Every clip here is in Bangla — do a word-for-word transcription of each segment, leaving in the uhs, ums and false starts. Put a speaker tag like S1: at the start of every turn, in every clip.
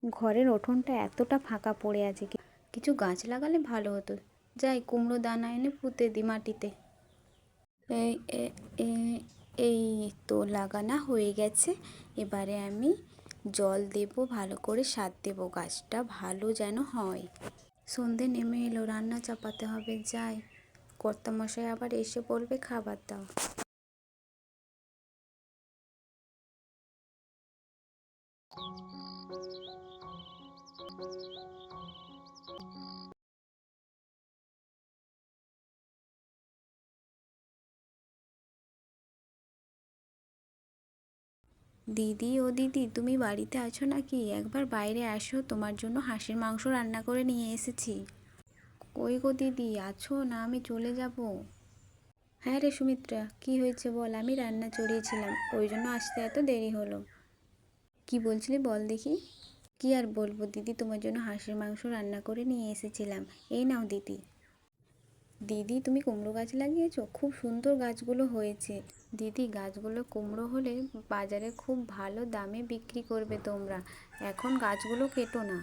S1: ঘরের উঠোনটা এতটা ফাঁকা পড়ে আছে, কি- কিছু গাছ লাগালে ভালো হতো। যাই কুমড়ো দানা এনে পুঁতে দিই মাটিতে। এই এ- এ- এই তো লাগানো হয়ে গেছে। এবারে আমি জল দেব, ভালো করে সার দেব, গাছটা ভালো যেন হয়। সন্ধে নেমে এলো, রান্না চাপাতে হবে। যাই, কর্তামশাই আবার এসে বলবে খাবার দাও। দিদি, ও দিদি, তুমি বাড়িতে আছো নাকি? একবার বাইরে আসো, তোমার জন্য হাঁসের মাংস রান্না করে নিয়ে এসেছি। কই গো দিদি, আছো না? আমি চলে যাব। হ্যাঁ রে সুমিত্রা, কি হয়েছে বল। আমি রান্না চড়িয়েছিলাম, ওই জন্য আসতে এত দেরি হলো। কি বলছিলি বল দেখি। কি আর বলবো দিদি, তোমার জন্য হাঁসের মাংস রান্না করে নিয়ে এসেছিলাম। এই নাও দিদি। দিদি, তুমি কুমড়ো গাছ লাগিয়েছো? খুব সুন্দর গাছগুলো হয়েছে। দিদি, গাছগুলো কুমড়ো হলে বাজারে খুব ভালো দামে বিক্রি করবে তোমরা। এখন গাছগুলো কেটো না।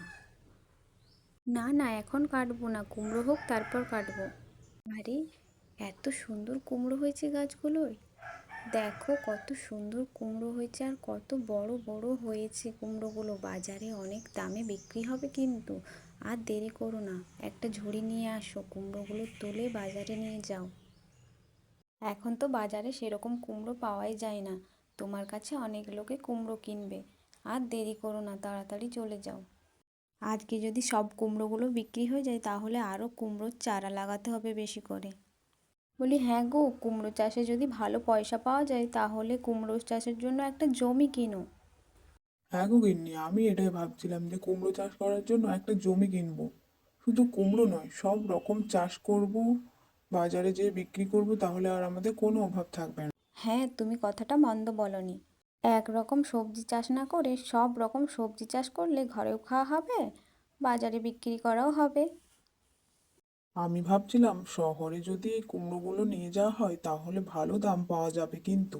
S1: না না, এখন কাটবো না, কুমড়ো হোক তারপর কাটবো। আরে, এত সুন্দর কুমড়ো হয়েছে গাছগুলোয়। দেখো কত সুন্দর কুমড়ো হয়েছে, আর কত বড় বড় হয়েছে কুমড়োগুলো। বাজারে অনেক দামে বিক্রি হবে কিন্তু। আর দেরি করো না, একটা ঝুড়ি নিয়ে আসো, কুমড়োগুলো তুলে বাজারে নিয়ে যাও। এখন তো বাজারে সেরকম কুমড়ো পাওয়াই যায় না। তোমার কাছে অনেক লোকে কুমড়ো কিনবে। আর দেরি করো না, তাড়াতাড়ি চলে যাও। আজকে যদি সব কুমড়োগুলো বিক্রি হয়ে যায় তাহলে আরও কুমড়োর চারা লাগাতে হবে বেশি করে। বলি হ্যাঁ গো, কুমড়ো চাষে যদি ভালো পয়সা পাওয়া যায় তাহলে কুমড়ো চাষের জন্য একটা জমি কিনো।
S2: হ্যাঁ গো গিন্নি, আমি এটাই ভাবছিলাম যে কুমড়ো চাষ করার জন্য একটা জমি কিনবো। শুধু কুমড়ো নয়, সব রকম চাষ করব, বাজারে যেয়ে বিক্রি করব, তাহলে আর আমাদের কোনো অভাব থাকবে না।
S1: হ্যাঁ, তুমি কথাটা মন্দ বলনি। এক রকম সবজি চাষ না করে সব রকম সবজি চাষ করলে ঘরেও খাওয়া হবে, বাজারে বিক্রি করাও হবে।
S2: আমি ভাবছিলাম শহরে যদি এই কুমড়োগুলো নিয়ে যাওয়া হয় তাহলে ভালো দাম পাওয়া যাবে কিন্তু।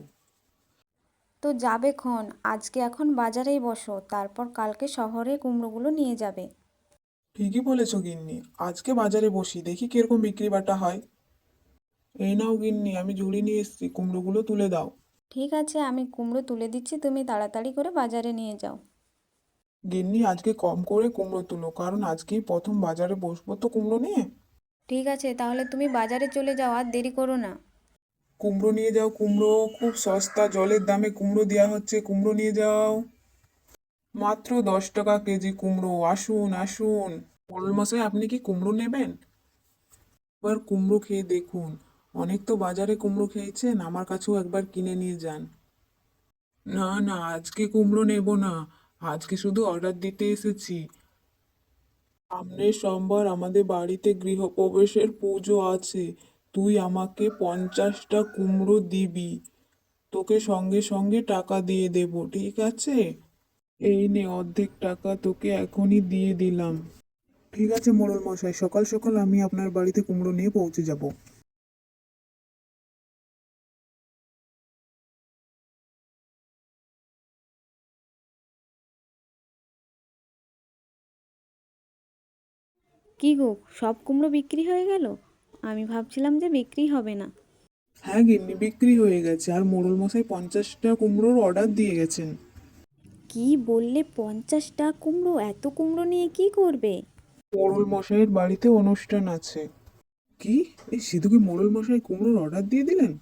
S1: তো যাবে খন, আজকে এখন বাজারেই বসো, তারপর কালকে শহরে কুমড়োগুলো নিয়ে যাবে।
S2: ঠিকই বলেছো গিন্নি, আজকে বাজারে বসি, দেখি কিরকম বিক্রি বাটা হয়। এই নাও গিন্নি, আমি ঝুড়ি নিয়ে এসেছি, কুমড়োগুলো তুলে দাও।
S1: ঠিক আছে, আমি কুমড়ো তুলে দিচ্ছি, তুমি তাড়াতাড়ি করে বাজারে নিয়ে যাও।
S2: গিন্নি, আজকে কম করে কুমড়ো তুলো, কারণ আজকেই প্রথম বাজারে বসবো তো কুমড়ো নিয়ে।
S1: ঠিক আছে, তাহলে তুমি বাজারে চলে যাও, আর দেরি করো না।
S2: কুমড়ো নিয়ে যাও, কুমড়ো খুব সস্তা, জলের দামে কুমড়ো দেওয়া হচ্ছে, কুমড়ো নিয়ে যাও। মাত্র দশ টাকা কেজি কুমড়ো, আসুন আসুন। মোড়ল মশাই, আপনি কি কুমড়ো নেবেন? একবার কুমড়ো খেয়ে দেখুন। অনেক তো বাজারে কুমড়ো খেয়েছেন, আমার কাছেও একবার কিনে নিয়ে যান। না না, আজকে কুমড়ো নেব না, আজকে শুধু অর্ডার দিতে এসেছি। সামনের সোমবার আমাদের বাড়িতে গৃহপ্রবেশের পুজো আছে। তুই আমাকে পঞ্চাশটা কুমড়ো দিবি, তোকে সঙ্গে সঙ্গে টাকা দিয়ে দেব, ঠিক আছে? এই নে অর্ধেক টাকা তোকে এখনই দিয়ে দিলাম। ঠিক আছে মোড়ল মশাই, সকাল সকাল আমি আপনার বাড়িতে কুমড়ো নিয়ে পৌঁছে যাব।
S1: কি গো, সব কুমড়ো বিক্রি হয়ে গেল? আমি ভাবছিলাম যে বিক্রি হবে না।
S2: হ্যাঁ গিন্নি, বিক্রি হয়ে গেছে, আর মোড়ল মশাই পঞ্চাশটা কুমড়োর অর্ডার দিয়ে গেছেন।
S1: কি বললে, পঞ্চাশটা কুমড়ো? এত কুমড়ো নিয়ে কি করবে?
S2: মোড়ল মশাইয়ের বাড়িতে অনুষ্ঠান আছে। কি, এই সিধুকে মোড়ল মশাই কুমড়োর অর্ডার দিয়ে দিলেন?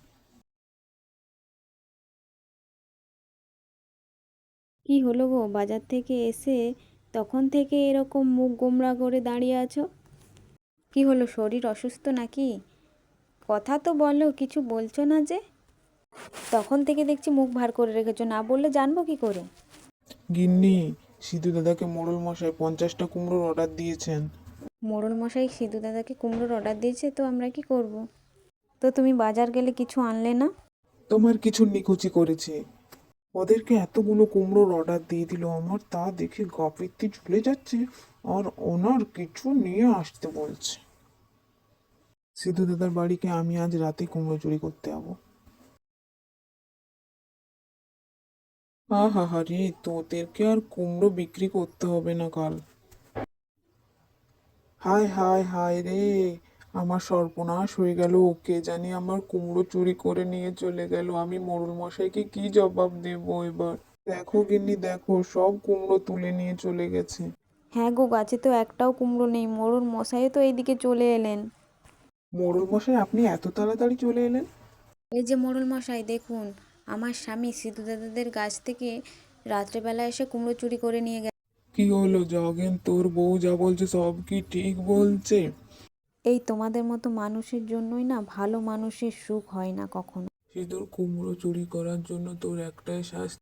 S1: কি হলো গো, বাজার থেকে এসে তখন থেকে এরকম মুখ গোমড়া করে দাঁড়িয়ে আছো? কি হলো, শরীর অসুস্থ নাকি? কথা তো বলো, কিছু বলছো না যে। তখন থেকে দেখছি মুখ ভার করে রেখেছো, না বললে জানবো কি করে?
S2: গিন্নি, সিধু দাদাকে মোড়ল মশাই পঞ্চাশটা কুমড়োর অর্ডার দিয়েছেন।
S1: মোড়ল মশাই সিধু দাদাকে কুমড়োর অর্ডার দিয়েছে, তো আমরা কি করব? তো তুমি বাজার গেলে কিছু আনলে না?
S2: তোমার কিছু নিকুচি করেছে, ওদেরকে এতগুলো কুমড়োর অর্ডার দিয়ে দিল, আমার তা দেখে গা পিত্তি ঝুলে যাচ্ছে। আর ওনার কিছু নিয়ে আসতে বলছে। সিধু দাদার বাড়িকে আমি আজ রাতে কুমড়ো চুরি করতে যাবো। আহা হা রে, তোদেরকে আর কুমড়ো বিক্রি করতে হবে না কাল। হায় হায় হায় রে, আমার সর্বনাশ হয়ে গেল। কে জানি আমার কুমড়ো চুরি করে নিয়ে চলে গেল। আমি মোড়ল মশাইকে কি জবাব দেবো এবার? দেখো গিন্নি দেখো, সব কুমড়ো তুলে নিয়ে চলে গেছে।
S1: হ্যাঁ গো, গাছে তো একটাও কুমড়ো নেই, মোড়ল মশাই তো এইদিকে চলে এলেন।
S2: মোড়ল মশাই, আপনি এত তাড়াতাড়ি চলে এলেন?
S1: এই যে মোড়ল মশাই দেখুন, আমার স্বামী সিধু দাদাদের গাছ থেকে রাত্রেবেলা এসে কুমড়ো চুরি করে নিয়ে গেছে।
S2: কি হলো জগেন, তোর বউ যা বলছে সব কি ঠিক বলছে?
S1: এই তোমাদের মতো মানুষের জন্যই না ভালো মানুষের সুখ হয় না কখনো।
S2: সিঁদুর, কুমড়ো চুরি করার জন্য তোর একটাই শাস্তি।